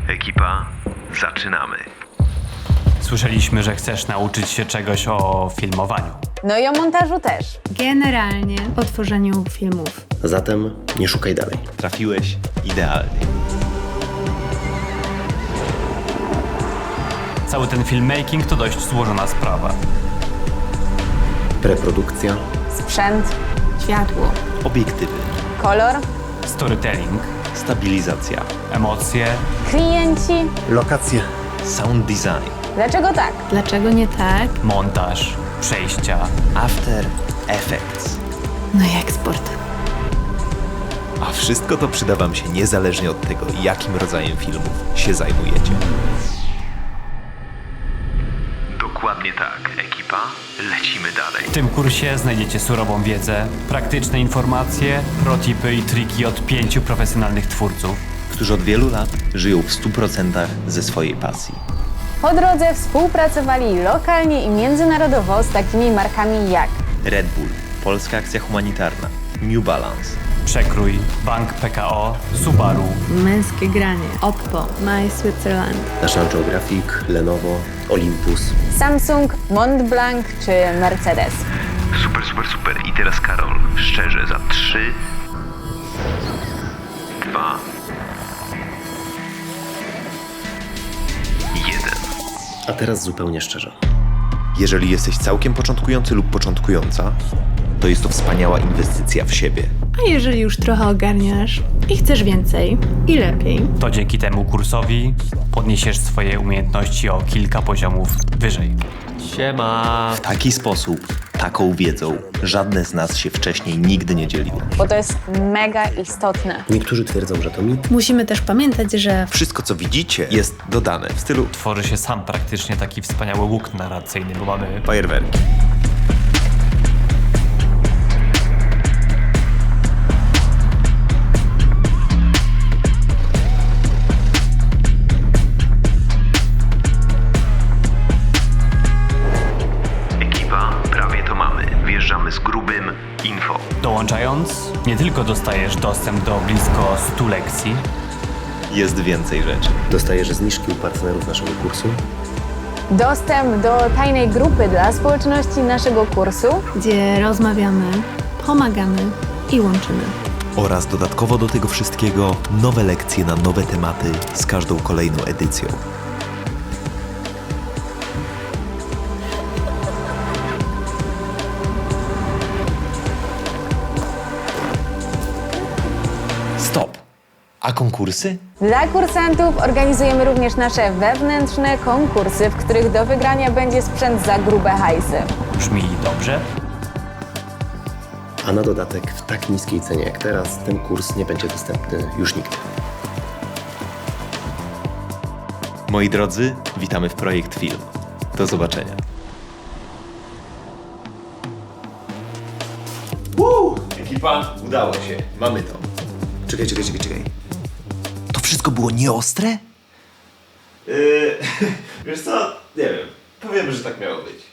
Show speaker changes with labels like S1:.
S1: Ekipa, zaczynamy.
S2: Słyszeliśmy, że chcesz nauczyć się czegoś o filmowaniu.
S3: No i o montażu też.
S4: Generalnie o tworzeniu filmów.
S5: Zatem nie szukaj dalej.
S1: Trafiłeś idealnie.
S2: Cały ten filmmaking to dość złożona sprawa.
S5: Preprodukcja,
S3: Sprzęt,
S4: Światło.
S1: Obiektywy,
S3: kolor,
S2: Storytelling,
S1: stabilizacja,
S2: emocje,
S3: klienci.
S5: lokacje.
S1: sound design,
S3: Dlaczego tak?
S4: Dlaczego nie tak?
S2: montaż, przejścia.
S1: after effects.
S4: No jak sport.
S1: A wszystko to przyda wam się niezależnie od tego, jakim rodzajem filmów się zajmujecie. Dokładnie tak, ekipa. Lecimy dalej.
S2: W tym kursie znajdziecie surową wiedzę, praktyczne informacje, protipy i triki od 5 profesjonalnych twórców.
S1: Którzy od wielu lat żyją w 100% ze swojej pasji.
S3: Po drodze współpracowali lokalnie i międzynarodowo z takimi markami jak
S1: Red Bull, Polska Akcja Humanitarna, New Balance,
S2: Przekrój, Bank PKO, Subaru.
S4: Męskie granie. Oppo. My Switzerland.
S5: National Geographic, Lenovo, Olympus.
S3: Samsung, Montblanc czy Mercedes.
S1: Super, super, super. I teraz Karol, szczerze, za 3, 2, 1.
S5: A teraz zupełnie szczerze.
S1: Jeżeli jesteś całkiem początkujący lub początkująca, to jest to wspaniała inwestycja w siebie.
S4: A jeżeli już trochę ogarniasz i chcesz więcej i lepiej,
S2: To dzięki temu kursowi podniesiesz swoje umiejętności o kilka poziomów wyżej.
S1: W taki sposób, taką wiedzą, żadne z nas się wcześniej nigdy nie dzieliło.
S3: Bo to jest mega istotne.
S5: Niektórzy twierdzą, że to mit.
S4: musimy też pamiętać, że
S1: Wszystko, co widzicie, jest dodane w stylu
S2: Tworzy się sam praktycznie taki wspaniały łuk narracyjny, bo mamy
S1: fajerwerki. Ekipa, prawie to mamy. Wjeżdżamy z grubym info.
S2: Dołączając, nie tylko dostajesz dostęp do blisko 100 lekcji,
S1: Jest więcej rzeczy.
S5: Dostajesz zniżki u partnerów naszego kursu.
S3: Dostęp do tajnej grupy dla społeczności naszego kursu.
S4: gdzie rozmawiamy, pomagamy i łączymy.
S1: Oraz dodatkowo do tego wszystkiego nowe lekcje na nowe tematy z każdą kolejną edycją. Stop! A konkursy?
S3: Dla kursantów organizujemy również nasze wewnętrzne konkursy, w których do wygrania będzie sprzęt za grube hajsy.
S2: brzmi dobrze.
S5: A na dodatek w tak niskiej cenie jak teraz ten kurs nie będzie dostępny już nigdy.
S1: Moi drodzy, witamy w Projekt Film. Do zobaczenia. Ekipa, udało się. Mamy to. Czekaj. To wszystko było nieostre?
S6: Wiesz co? Nie wiem. Powiemy, że tak miało być.